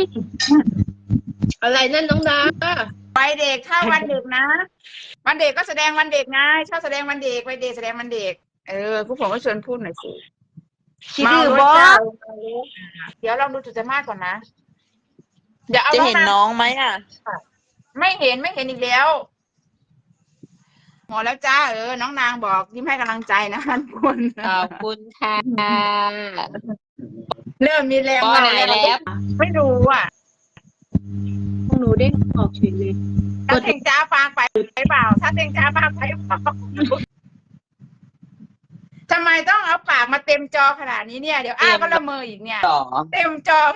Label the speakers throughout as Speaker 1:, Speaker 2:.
Speaker 1: อะไรนั่นน้องดา
Speaker 2: ไปเด็กถ้าวันเด็กนะวันเด็กก็แสดงวันเด็กไงชอบแสดงวันเด็กไปเด็กแสดงวันเด็กผู้ผมก็ชวนพูดหน่อยสิ
Speaker 3: คิดดื้อบอ
Speaker 2: เดี๋ยวลองดูจุดมาก่อนนะเดี๋ยวเอา
Speaker 3: จะเห็นน้องไหมอ่ะ
Speaker 2: ไม่เห็นอีกแล้วหมดแล้วจ้าน้องนางบอกยิ้มให้กำลังใจนะทุกคน
Speaker 3: ขอบคุณค่ะ
Speaker 2: เริ่มมีแรง
Speaker 3: มาแล้ว
Speaker 2: ไม่รู้อ่ะ
Speaker 1: พวกหนูเด้งออกเฉยเลย
Speaker 2: ถ้าเต็งจ้าฟังไปเปล่าถ้าเต็งจ้าฟังไปเปล่าทำไมต้องเอาปากมาเต็มจอขนาดนี้เนี่ยเดี๋ยวก็ละเมออีกเนี่ยเต็มจอ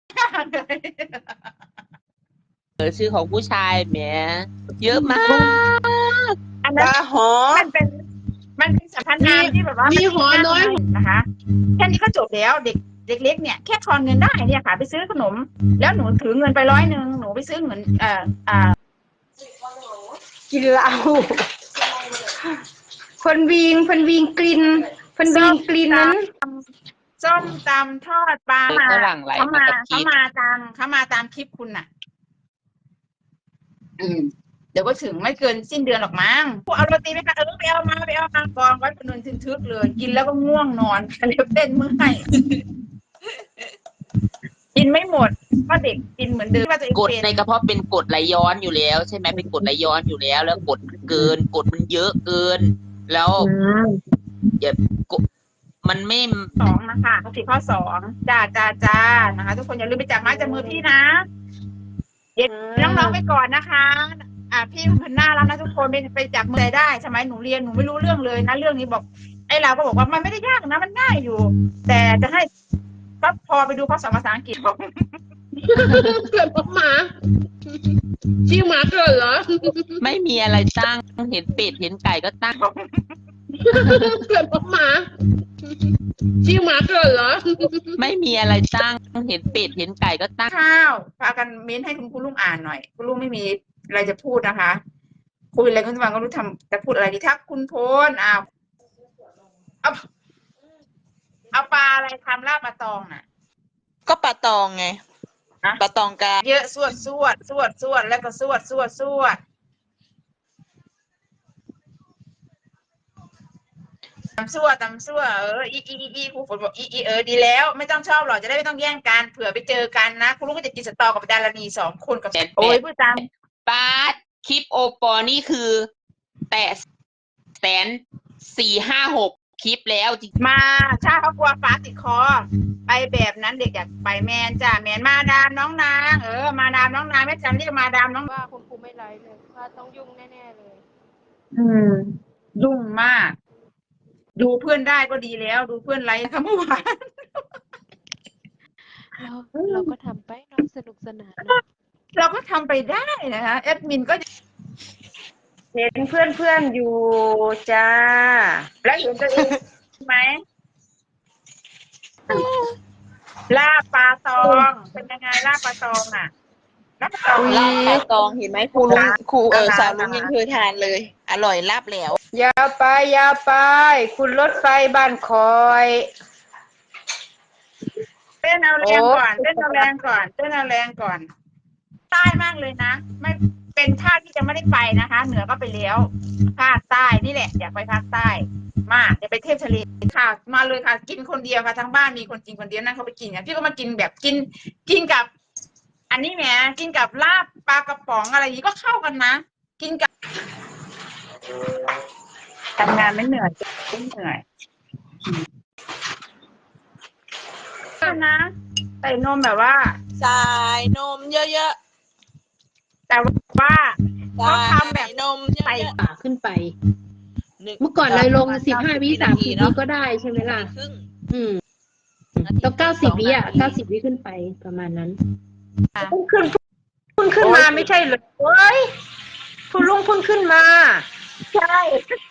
Speaker 3: ชื่อของผู้ชายแหมเยอะมาก
Speaker 2: อันนั้นมันเป็นสัมพันธ์งานที่แบบว่า
Speaker 1: มีหัวน้อย
Speaker 2: นะคะแค่นี้ก็จบแล้วเด็กเล็กเนี่ยแค่ทอนเงินได้เนี่ยค่ะไปซื้อขนมแล้วหนูถือเงินไป100หนูไปซื้อเงิน
Speaker 3: กินเหล้าคนวิงกลิ่นนั้น
Speaker 2: ส้มตำทอดปลาเขามาตามคลิปคุณน่ะเดี๋ยวก็ถึงไม่เกินสิ้นเดือนหรอกมั้งเอาโรตีไหมคะไปเอามากองไว้เป็นนนทึกเลยกินแล้วก็ง่วงนอนเล็บเต้นเมื่อยกินไม่หมดเพราะเด็กกินเหมือนเดิม
Speaker 3: กดในกระเพาะเป็นกรดไหลย้อนอยู่แล้วใช่ไหมเป็นกรดไหลย้อนอยู่แล้วแล้วกรดมันเกินกรดมันเยอะเกินแล้วอย่ามันไม่
Speaker 2: 2นะคะข้อ2จ้านะคะทุกคนอย่าลืมไปจับไม้จับมือพี่นะเด็กน้องๆไปก่อนนะคะพี่มันน่ารักนะทุกคนไปจับมือได้สมัยหนูเรียนหนูไม่รู้เรื่องเลยนะเรื่องนี้บอกเราก็บอกว่ามันไม่ได้ยากนะมันง่ายอยู่แต่จะให้ก็พอไปดูข้อสอบภาษาอังกฤษบอก
Speaker 1: เกิดหมาชื่อหมาเกิดเหรอ
Speaker 3: ไม่มีอะไรตั้งเห็นเป็ดเห็นไก่ก็ตั้ง
Speaker 1: เกิดหมาชื่อหมาเกิดเหรอ
Speaker 3: ไม่มีอะไรตั้งเห็นเป็ดเห็นไก่ก็ตั้ง
Speaker 2: ข้าวพากันเม้นให้คุณลุงอ่านหน่อยคุณลุงไม่มีอะไรจะพูดนะคะคุยอะไรคุณฟังก็รู้จะพูดอะไรดีทักคุณโพนเอาปลาอะไรทำลาบปลาตองน่ะ
Speaker 3: ก็ปลาตองไงปลาตองกา
Speaker 2: เยอะสวดแล้วก็สวดตำซั่วอีครูฝนบอกดีแล้วไม่ต้องชอบหรอกจะได้ไม่ต้องแย่งกันเผื่อไปเจอกันนะคุณลุงก็จะกินสตอกับดารณี2คนกับ
Speaker 3: โอ้ยพูดตามปาดคลิปโอปอนี่คือแต่140,000-150,000คลิปแล้ว
Speaker 2: มาถ้าเขากลัวฟ้าติดคอไปแบบนั้นเด็กอยากไปแมนจ้ะแมนมาดามน้องนางมาดามน้องนางแม่จันเรียกมาดามน้อง
Speaker 1: ว่าคุณครูไม่ไลฟ์เลยว่าต้องยุ่งแน่ๆเลย
Speaker 2: ยุ่งมากดูเพื่อนได้ก็ดีแล้วดูเพื่อนไลฟ์ค่ะเมื่อวาน
Speaker 1: เราก็ทำไปน้องสนุกสนาน
Speaker 2: เราก็ทำไปได้นะคะแอดมินก็
Speaker 3: เห็นเพื่อนอยู่จ้า
Speaker 2: แล้วเห็นตัวเองไหมลาบปลาตองเป็นยังไงลาบปลาตองอ่ะ
Speaker 3: ลาบปลาตองเห็นไหมครูสาวลุงยังเคยทานเลยอร่อยลาบแล้ว
Speaker 2: อย่าไปคุณรถไฟบ้านคอยเต้นเอาแรงก่อนใต้มากเลยนะไม่เป็นภาคที่จะไม่ได้ไปนะคะเหนือก็ไปแล้วภาคใต้นี่แหละอยากไปภาคใต้มากอยากไปเทพทะเลค่ะมาเลยค่ะกินคนเดียวค่ะทั้งบ้านมีคนกินคนเดียวนั่งเขาไปกินกันพี่ก็มากินแบบกินกับอันนี้แหมกินกับลาบปลากระป๋องอะไรอย่างนี้ก็เข้ากันนะกินกับทำงานไม่เหนื่อยนะใส่นมแบบว่า
Speaker 3: ใส่นมเยอะ
Speaker 2: ๆแต่ว่าเขาทำแบบ
Speaker 3: นม
Speaker 1: ใส่ปากขึ้นไปเมื่อก่อนเลยลง15 วิ30 วิก็ได้ใช่ไหมล่ะต้อง90 วิ90 วิขึ้นไปประมาณนั้น
Speaker 3: พุ่งขึ้นมาไม่ใช่เหรอเฮ้ยคุณลุงพุ่งขึ้นมา
Speaker 2: ใช่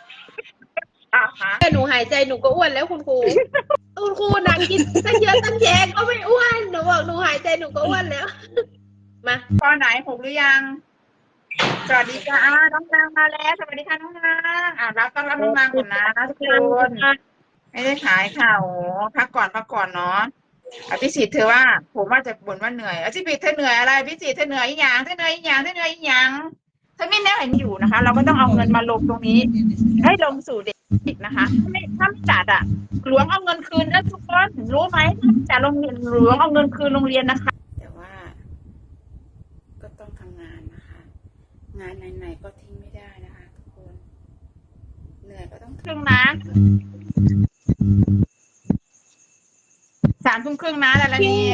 Speaker 1: แต่หนูหายใจหนูก็อ้วนแล้วคุณครูหนักกินตั้งเยอะตั้งแยะก็ไม่อ้วนหนูบอกหนูหายใจหนูก็อ้วนแล้วมา
Speaker 2: ปอไหน6หรือยังสวัสดีค่ะน้องนางมาแล้วสวัสดีค่ะน้องนางรับต้อนรับน้องนางก่อนนะทุกคนไม่ได้ขายข่าวพักก่อนเนาะอภิสิทธิ์เธอว่า ผมว่าจะบ่นว่าเหนื่อยอภิสิทธิ์เธอเหนื่อยอะไรอภิสิทธิ์เธอเหนื่อยอีหยังเธอเหนื่อยอีหยังเธอเหนื่อยอีหยังเธอไม่แน่เห็นอยู่นะคะ เราก็ต้องเอาเงินมาลงตรงนี้ ให้ลงสู่เด็กนะคะถ้าไม่จัดอ่ะหลวงเอาเงินคืนนะทุกคนรู้ไหมถ้าไม่จัดโรงเรียนหลวงเอาเงินคืนโรงเรียนนะคะ
Speaker 4: แต่ว่าก็ต้องทำงานนะคะ งานไหนๆก็ทิ้งไม่ได้นะคะทุกคน เหนื่อยก็ต้อง
Speaker 2: ครึ่งนะ3 ทุ่มครึ่งนะแต่ละนี้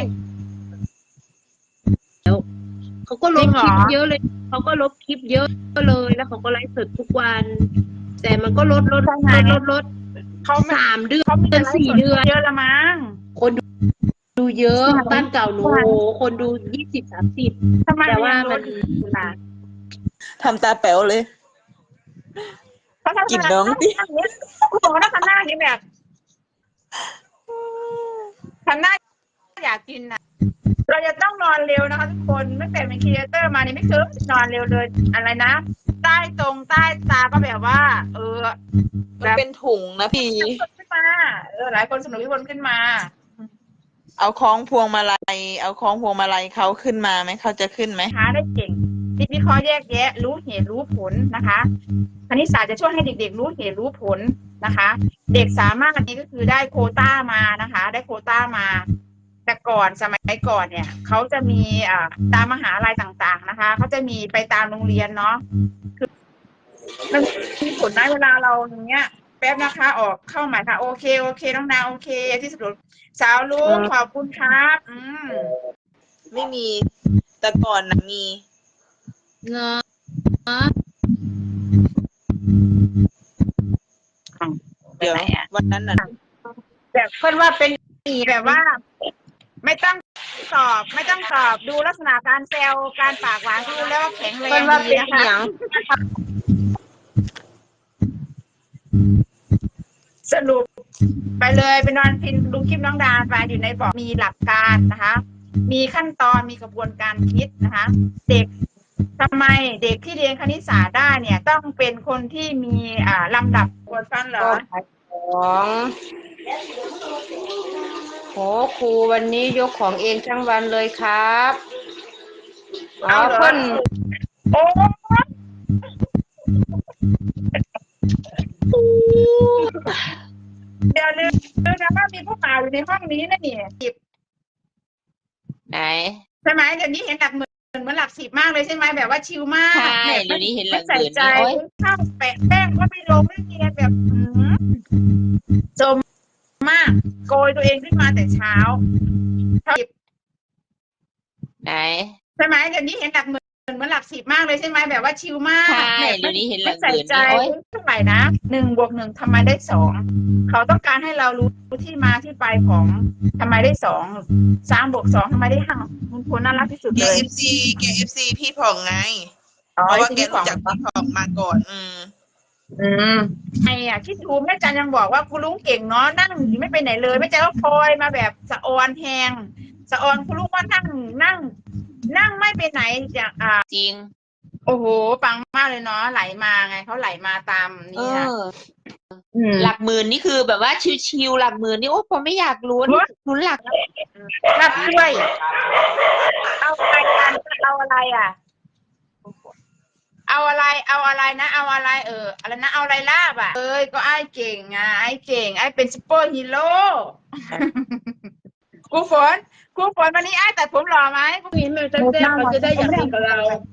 Speaker 1: เขาก็ลบ
Speaker 2: จริงเหร
Speaker 1: ค
Speaker 2: อ
Speaker 1: ลิปเยอะเลยเขาก็ลบคลิปเยอะเลยแล้วเขาก็ไลฟ์สดทุกวัน แต่มันก็ลด
Speaker 2: เขาไม่
Speaker 1: 3 เดือ
Speaker 2: เขามีแต่
Speaker 1: น
Speaker 2: ไลฟ์
Speaker 1: 4
Speaker 2: ส
Speaker 1: เดือน
Speaker 2: เยอะละมั้ง
Speaker 1: คนดูเยอะ
Speaker 2: ใช่
Speaker 1: บ้านเก่าหนู
Speaker 2: ใช่
Speaker 1: โอ้โหคนดู20-30
Speaker 2: ทำไม
Speaker 1: แต่ว่า
Speaker 2: ยัง
Speaker 1: มัน
Speaker 2: ลดอยู่ล่ะ
Speaker 5: ทำตาแป๋วเลย
Speaker 2: เขาทำ
Speaker 5: กินน้องดิ
Speaker 2: คุณบอกว่าถ้าทำหน้าอย่างนี้แบบทำหน้าอยากกินน่ะ เราจะต้องนอนเร็วนะคะทุกคนไม่แต่เป็นครีเอเตอร์มานี่ไม่เคยนอนเร็วเลยอะไรนะใต้ตาก็แบบว่า
Speaker 5: มันเป็นถุงนะพี่
Speaker 2: ขึ้นมาหลายคนสนุกที่คนขึ้นมา
Speaker 5: เอาคล้องพวงมาลัย เอาคล้องพวงมาลัยเขาขึ้นมาไหม เขาจะขึ้นไหม
Speaker 2: หาได้เก่งคิดวิเคราะห์แยกแยะ รู้เหตุรู้ผลนะคะคณิตศาสตร์จะช่วยให้เด็กๆรู้เหตุรู้ผลนะคะ เด็กสามารถอันนี้ก็คือได้โควต้ามานะคะ ได้โควต้ามา แต่ก่อนสมัยก่อนเนี่ยเขาจะมีตามมหาลัยต่างๆนะคะเขาจะมีไปตามโรงเรียนเนาะคือมันมีผลนะเวลาเราอย่างเงี้ย แป๊บนะคะออกเข้าใหม่ค่ะโอเคน้องดาวโอเคที่สุดสาวลุงขอบคุณครับ
Speaker 5: ไม่มี แต่ก่อนนะมี
Speaker 1: เนาะ
Speaker 5: เดี๋ยววันนั้นน่ะ
Speaker 2: แบบเพื่อนว่าเป็นแบบว่า ไม่ต้องสอบดูลักษณะการแซวการปากหวานก็รู้แล้วว่าแข็งแรงดีนะคะสรุปไปเลยไปนอนพินดูคลิปน้องดาไปอยู่ในบอกมีหลักการนะคะ มีขั้นตอนมีกระบวนการคิดนะคะ เด็กทำไมเด็กที่เรียนคณิตศาสตร์ได้เนี่ย ต้องเป็นคนที่มีลำดับกดฟันเหรอ
Speaker 6: ของโหครูวันนี้ยกของเองทั้งวันเลยครับอ๋อ
Speaker 2: เอาเหรอ
Speaker 6: เพิ่น
Speaker 2: โอ้เดี๋ยวลืมนะว่ามีผู้ป่าวอยู่ในห้องนี้นะเนี่ย
Speaker 3: ไหน
Speaker 2: ใช่ไหมเดี๋ยวนี้เห็นหลักหมื่นเหมือนหลัก10มากเลยใช่ไหมแบบว่าชิลมาก
Speaker 3: ใช่
Speaker 2: แบบ
Speaker 3: เดี๋ยวนี้เห็นหลั
Speaker 2: ไม่
Speaker 3: ก
Speaker 2: ใส่
Speaker 3: หมื่น
Speaker 2: ใจ
Speaker 3: นี่โอ๊ย
Speaker 2: ข้าวแปะแป้งก็ไม่ลงไม่เรียนแบบจมมาก โกยตัวเองขึ้นมาแต่เช้า
Speaker 3: ไหน
Speaker 2: ใช่ไหมเดี๋ยวนี้เห็นหลักหมื่นเหมือนหลัก10มากเลยใช่ไหมแบบว่าชิลมาก
Speaker 3: ใช่
Speaker 2: แบบ
Speaker 3: เดี๋ยวนี้เห็นหลั
Speaker 2: ไม่
Speaker 3: กห
Speaker 2: ใส่
Speaker 3: มื่น
Speaker 2: ใจ
Speaker 3: นี่โอ๊ย
Speaker 2: เท่าไหร่นะ1+1ทำไมได้2เขาต้องการให้เรารู้ที่มาที่ไปของทำไมได้2 3+2ทำไมได้5คุณครูน่ารักที่สุด
Speaker 5: แก
Speaker 2: เลย
Speaker 5: FC พี่ผ่องไง
Speaker 2: อ๋อ
Speaker 5: เพราะว่าแก
Speaker 2: ที่
Speaker 5: รู้จักพี่ผ่องมาก่อน
Speaker 2: ไอ้คิดดูแม่จันยังบอกว่าคุณลุงเก่งเนาะนั่งอยู่ไม่ไปไหนเลยแม่จันก็คอยมาแบบสะออนแหงสะออนคุณลุงว่านั่งไม่ไปไหนจาก
Speaker 3: จริง
Speaker 2: โอ้โหปังมากเลยเนาะไหลมาไงเขาไหลมาตาม
Speaker 3: เอ
Speaker 2: นี่นะ
Speaker 3: อ หลักหมื่นนี่คือแบบว่าชิวๆหลักหมื่นนี่โอ้ผมไม่อยากลุ้นหลัก
Speaker 2: รับช่วยเอาอะไรกันเอาอะไรอ่ะ เอาอะไรนะเอาอะไรอะไรนะเอาอะไรลาบอ่ะก็ไอ้เก่งอ่ะไอ้เก่งไอ้เป็นซุปเปอร์ฮีโร่ ครูฝนวันนี้ไอ้ตัดผมหล่อไหม
Speaker 1: นี่แม่จะแจ้งเขาจะได้อย่างนี้กับเรา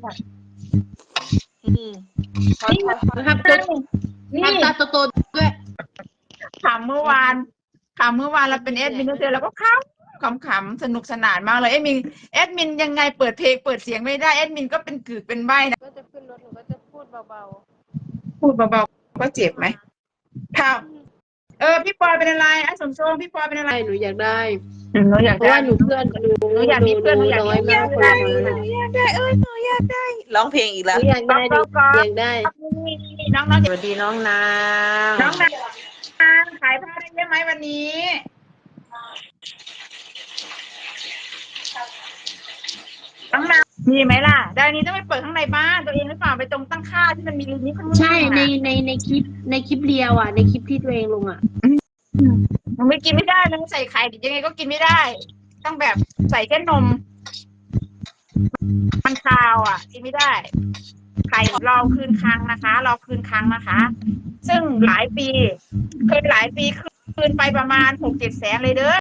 Speaker 2: นี่
Speaker 1: นะครับตัวทำตาโตๆด้วย
Speaker 2: ถามเมื่อวานเราเป็นแอดมินเจอแล้วก็ขำๆสนุกสนานมากเลยแอดมินยังไงเปิดเพลงเปิดเสียงไม่ได้แอดมินก็เป็นกึกเป็นใบ้นะ
Speaker 1: ก็จะขึ้นรถหนูก็จะพูดเบา
Speaker 2: พูดเบาๆก็เจ็บไหมถามพี่ปอยเป็นอะไรไอ้สมทรงพี่ปอยเป็น
Speaker 1: ๆ
Speaker 2: อะไร
Speaker 1: ใช่หนูอยากได้
Speaker 2: หนูอยาก
Speaker 1: เพราะ
Speaker 2: ได้
Speaker 1: ว่าหนูเพื่อนหนู
Speaker 2: อยากมีเพื่อนหนูอยาก
Speaker 1: น้อย
Speaker 2: มี
Speaker 1: มาก
Speaker 2: เพื่
Speaker 1: เล
Speaker 2: อน
Speaker 1: ย
Speaker 5: หนูอยากได้ร้องเพลงอีก
Speaker 1: ห
Speaker 5: แล้ว
Speaker 1: นูอยากได้หนูอยากได้
Speaker 2: น้อง
Speaker 6: สวัสดีน้องนาง
Speaker 2: น้องนางขายผ้าได้เยอะไหมวันนี้น้องนางมีไหมล่ะได้นี้ต้องไปเปิดข้างในบ้านตัวเองหรือเปล่าไปตรงตั้งค่าที่มันมีลิงก์นี้ข้างล่าง
Speaker 1: ใช่ในคลิปเรียวอ่ะในคลิปที่ตัวเองลงอ่ะ
Speaker 2: มันไม่กินไม่ได้เลยใส่ไข่ยังไงก็กินไม่ได้ ต้องแบบใส่แค่นมมันคาวอ่ะกินไม่ได้ไข่รอคืนครั้งนะคะรอคืนครั้งนะคะ ซึ่งหลายปีเคยหลายปีคืนไปประมาณ6-7 แสนเลยเด้อ